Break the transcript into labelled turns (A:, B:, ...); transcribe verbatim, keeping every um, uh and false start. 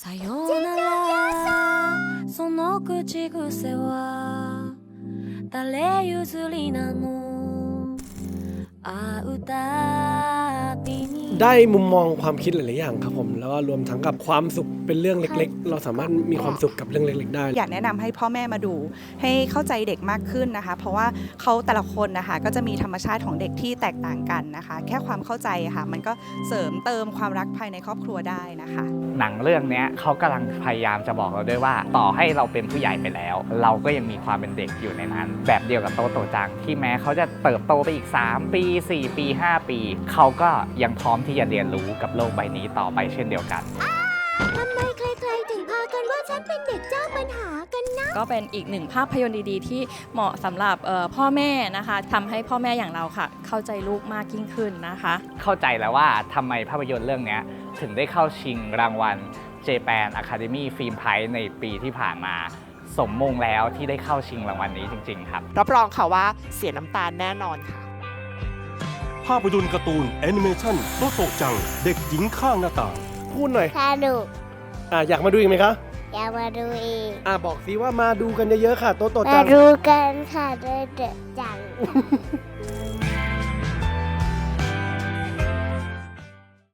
A: さようならその口癖は誰譲りなの会うたびに
B: ได้มุมมองความคิดหลายๆอย่างครับผมแล้วก็รวมทั้งกับความสุขเป็นเรื่องเล็กๆเราสามารถมีความสุขกับเรื่องเล็กๆได้
C: อยากแนะนำให้พ่อแม่มาดูให้เข้าใจเด็กมากขึ้นนะคะเพราะว่าเขาแต่ละคนนะคะก็จะมีธรรมชาติของเด็กที่แตกต่างกันนะคะแค่ความเข้าใจค่ะมันก็เสริมเติมความรักภายในครอบครัวได้นะคะ
D: หนังเรื่องนี้เขากำลังพยายามจะบอกเราด้วยว่าต่อให้เราเป็นผู้ใหญ่ไปแล้ว เราก็ยังมีความเป็นเด็กอยู่ในนั้นแบบเดียวกับโตโตจังที่แม้เขาจะเติบโตไปอีกสามปีสี่ปีห้าปีเขาก็ยังพร้อมที่จะเรียนรู้กับโลกใบนี้ต่อไปเช่นเดียวกัน
E: ทำไมใครๆถึงพากันว่าฉันเป็นเด็กเจ้าปัญหากันนะ
A: ก็เป็นอีกหนึ่งภาพยนตร์ดีๆที่เหมาะสำหรับพ่อแม่นะคะทำให้พ่อแม่อย่างเราค่ะเข้าใจลูกมากยิ่งขึ้นนะคะ
D: เข้าใจแล้วว่าทำไมภาพยนตร์เรื่องนี้ถึงได้เข้าชิงรางวัล Japan Academy Film Prize ในปีที่ผ่านมาสมมงแล้วที่ได้เข้าชิงรางวัลนี้จริงๆครับ
F: รับรองค่ะว่าเสียน้ำตาแน่นอนค่ะ
G: ภาพยนตร์การ์ตูนแอนิเมชั่นโตโตจังเด็กหญิงข้างหน้าต่าง
B: พูดหน่อย
E: สนุก
B: อ่ะอยากมาดูอีกไหมคะ
E: อยากมาดูอีก
B: อ่ะบอกสิว่ามาดูกันเยอะๆค่ะโตโตจั
E: มาง ดูกันค่ะเด็กจัง